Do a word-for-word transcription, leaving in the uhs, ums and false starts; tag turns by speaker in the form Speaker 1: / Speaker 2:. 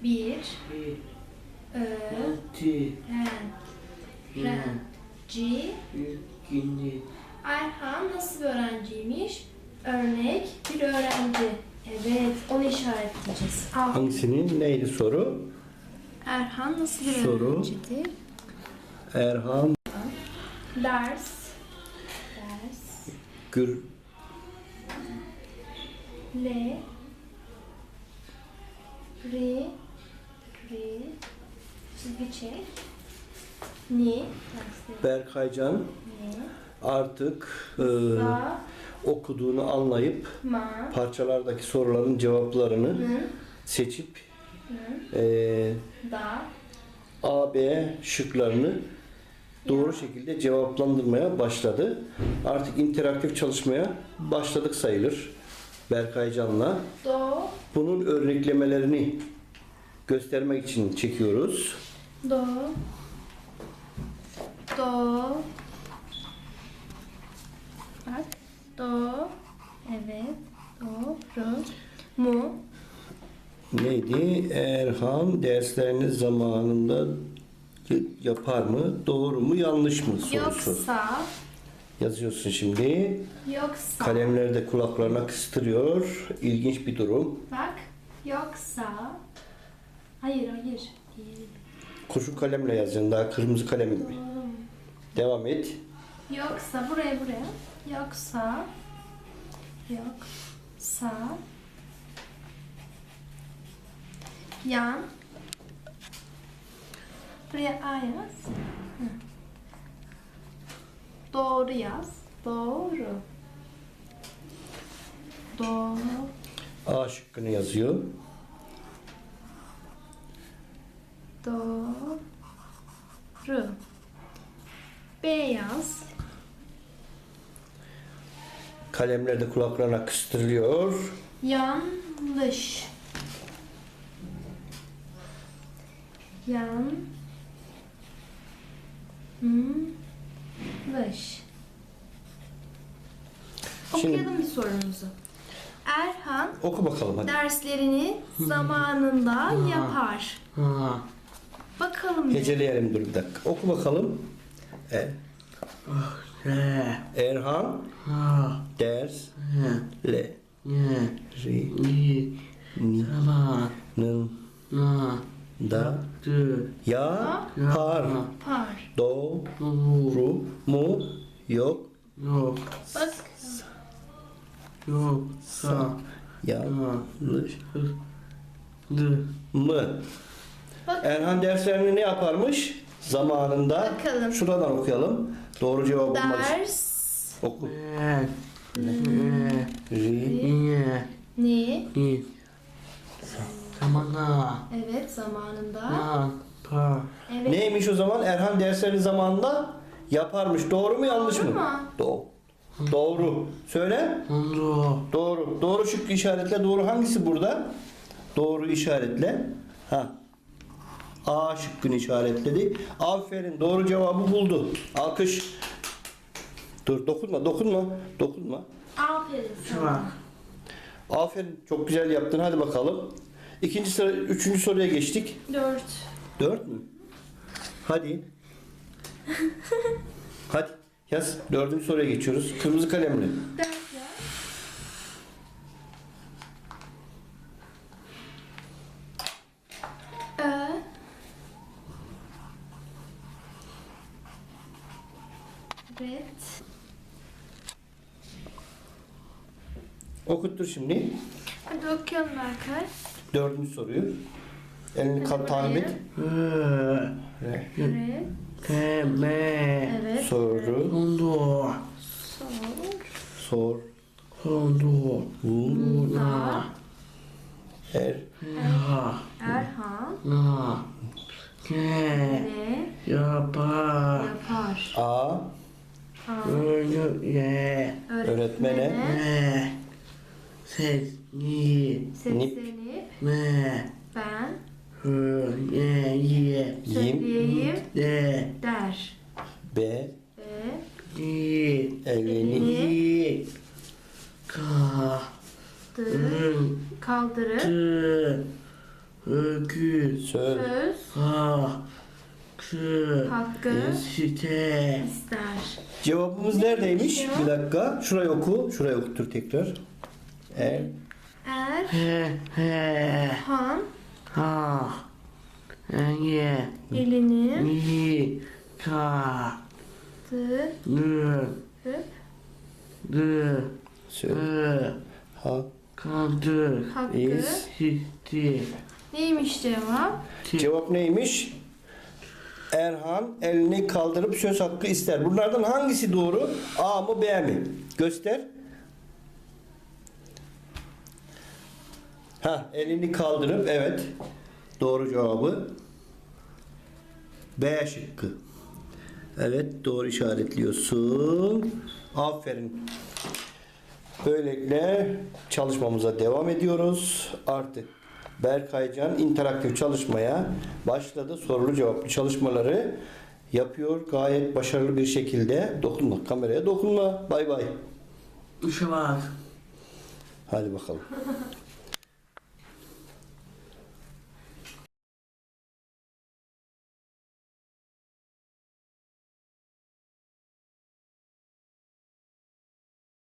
Speaker 1: Bir.
Speaker 2: Bir.
Speaker 1: Öğrenci.
Speaker 2: Ren. İkinci.
Speaker 1: Erhan nasıl bir öğrenciymiş? Örnek bir öğrenci. Evet, onu işaretleyeceğiz. Al.
Speaker 3: Hangisinin neydi soru?
Speaker 1: Erhan nasıl bir
Speaker 3: Soru.
Speaker 1: öğrencidir?
Speaker 3: Erhan
Speaker 1: Ders. Ders.
Speaker 3: Gür
Speaker 1: Le. Ri. Ri. Çizgi çek. Ni. Dersleri.
Speaker 3: Berkaycan
Speaker 1: Ni.
Speaker 3: artık e,
Speaker 1: Sa.
Speaker 3: okuduğunu anlayıp
Speaker 1: Ma.
Speaker 3: parçalardaki soruların cevaplarını
Speaker 1: Hı.
Speaker 3: seçip
Speaker 1: Hı.
Speaker 3: e,
Speaker 1: Da.
Speaker 3: A, B şıklarını doğru şekilde cevaplandırmaya başladı. Artık interaktif çalışmaya başladık sayılır Berkaycan'la.
Speaker 1: Do.
Speaker 3: Bunun örneklemelerini göstermek için çekiyoruz.
Speaker 1: Do. Do. Bak. Do. Evet. Doğru. Mu.
Speaker 3: Neydi? Erhan derslerini zamanında yapar mı? Doğru mu? Yanlış mı? Sorusu.
Speaker 1: Yoksa.
Speaker 3: Yazıyorsun şimdi.
Speaker 1: Yoksa.
Speaker 3: Kalemleri de kulaklarına kıstırıyor. İlginç bir durum.
Speaker 1: Bak. Yoksa. Hayır hayır. Değil.
Speaker 3: Kurşun kalemle yazacaksın. Daha kırmızı kalem.
Speaker 1: Doğru.
Speaker 3: Devam et.
Speaker 1: Yoksa buraya buraya. Yoksa. Yoksa. Yan. Buraya A yaz. Hı. Doğru yaz. Doğru. Doğru.
Speaker 3: A şıkkını yazıyor.
Speaker 1: Doğru. B yaz.
Speaker 3: Kalemler de kulaklarına kıstırılıyor.
Speaker 1: Yanlış. Yan. Yanlış.
Speaker 3: Şimdi-
Speaker 1: Okuyalım bir sorumuzu. Erhan
Speaker 3: Oku bakalım hadi.
Speaker 1: derslerini zamanında yapar.
Speaker 2: Ha.
Speaker 1: Bakalım bir.
Speaker 3: Heceleyelim dur bir dakika. Oku bakalım. E,
Speaker 2: Re.
Speaker 3: Erhan
Speaker 2: Ha.
Speaker 3: ders
Speaker 2: He.
Speaker 3: le
Speaker 2: Ye.
Speaker 3: ri
Speaker 2: Ni.
Speaker 3: ni
Speaker 2: Sabah.
Speaker 3: nın
Speaker 2: Na.
Speaker 3: da
Speaker 2: Tı.
Speaker 3: ya par
Speaker 1: Par.
Speaker 3: do
Speaker 2: Doğru.
Speaker 3: ru mu yok
Speaker 2: Yok.
Speaker 1: Bak.
Speaker 2: Yok. Sa.
Speaker 3: yanlış
Speaker 2: Dı.
Speaker 3: mı?
Speaker 1: Bak.
Speaker 3: Erhan derslerini ne yaparmış? Zamanında.
Speaker 1: Bakalım.
Speaker 3: Şuradan okuyalım. Doğru cevabı bulmak için.
Speaker 1: Ders.
Speaker 3: Oku.
Speaker 2: Re. Re.
Speaker 3: Ri
Speaker 2: Ye.
Speaker 1: Ni.
Speaker 2: Ni. Zamana.
Speaker 1: Evet zamanında.
Speaker 2: Na. Pa.
Speaker 1: Evet.
Speaker 3: neymiş o zaman? Erhan derslerini zamanında yaparmış. Doğru mu yanlış
Speaker 1: Doğru
Speaker 3: mı?
Speaker 1: mu?
Speaker 3: Doğru. Doğru. Söyle.
Speaker 2: Ondu.
Speaker 3: Doğru. Doğru şıkkı işaretle. Doğru hangisi burada? Doğru işaretle. Ha. A şıkkını işaretledi. Aferin. Doğru cevabı buldu. Alkış. Dur dokunma dokunma. Dokunma.
Speaker 1: Aferin
Speaker 2: Şu
Speaker 1: sana.
Speaker 2: bak.
Speaker 3: Aferin. Çok güzel yaptın. Hadi bakalım. İkinci sıra, üçüncü soruya geçtik.
Speaker 1: Dört.
Speaker 3: Dört mü? Hadi. Hadi. Yaz. Dördüncü soruya geçiyoruz. Kırmızı kalemle.
Speaker 1: Dört ya. Ö. Evet.
Speaker 3: Okuttur şimdi.
Speaker 1: Hadi okuyalım Berkay.
Speaker 3: Dördüncü soruyu. Elini kat takip et.
Speaker 2: Re.
Speaker 3: Re.
Speaker 1: Evet.
Speaker 2: Te. Me.
Speaker 1: Evet.
Speaker 3: Soru.
Speaker 2: Ondu.
Speaker 1: Sor.
Speaker 3: Sor.
Speaker 2: Ondu.
Speaker 3: Bu.
Speaker 2: Na.
Speaker 3: Er.
Speaker 2: Ya.
Speaker 1: Erhan
Speaker 2: Na. Ke.
Speaker 1: ne
Speaker 2: Yapar.
Speaker 1: yapar?
Speaker 3: A.
Speaker 1: A.
Speaker 2: Öyle. Ye.
Speaker 3: Öğretmene.
Speaker 2: Me. Ses. Ni.
Speaker 1: Seslenip
Speaker 2: Me.
Speaker 1: ben
Speaker 2: Hı. Ye. Ye.
Speaker 1: söyleyeyim
Speaker 2: De.
Speaker 1: der.
Speaker 3: B.
Speaker 1: Ve
Speaker 2: Ni.
Speaker 3: Elini.
Speaker 2: Ni. Ka.
Speaker 1: dı
Speaker 2: Hı.
Speaker 1: kaldırıp
Speaker 2: Tı. öküz,
Speaker 3: Söz.
Speaker 1: Söz.
Speaker 2: hakkı,
Speaker 1: Hakkı.
Speaker 2: site,
Speaker 1: ister.
Speaker 3: Cevabımız
Speaker 1: Neymiş
Speaker 3: neredeymiş?
Speaker 1: ya?
Speaker 3: Bir dakika. Şurayı oku. Şurayı okutur tekrar. Er.
Speaker 1: Er.
Speaker 2: he, he,
Speaker 1: Han.
Speaker 2: ha, ye,
Speaker 1: Elini.
Speaker 2: yi, ka,
Speaker 1: Tı.
Speaker 2: nı,
Speaker 1: Hıp.
Speaker 2: dı,
Speaker 3: Söz.
Speaker 2: ı,
Speaker 3: Ha.
Speaker 2: kaldı,
Speaker 1: Hakkı.
Speaker 3: İz.
Speaker 2: sitti,
Speaker 1: Neymiş cevap?
Speaker 3: Cevap neymiş? Erhan elini kaldırıp söz hakkı ister. Bunlardan hangisi doğru? A mı B mi? Göster. Ha, elini kaldırıp evet. Doğru cevabı B şıkkı. Evet, doğru işaretliyorsun. Aferin. Böylelikle çalışmamıza devam ediyoruz. Artık Berkaycan interaktif çalışmaya başladı. Sorulu cevaplı çalışmaları yapıyor. Gayet başarılı bir şekilde. Dokunma, kameraya dokunma. Bay bay.
Speaker 2: ışımak.
Speaker 3: Hadi bakalım.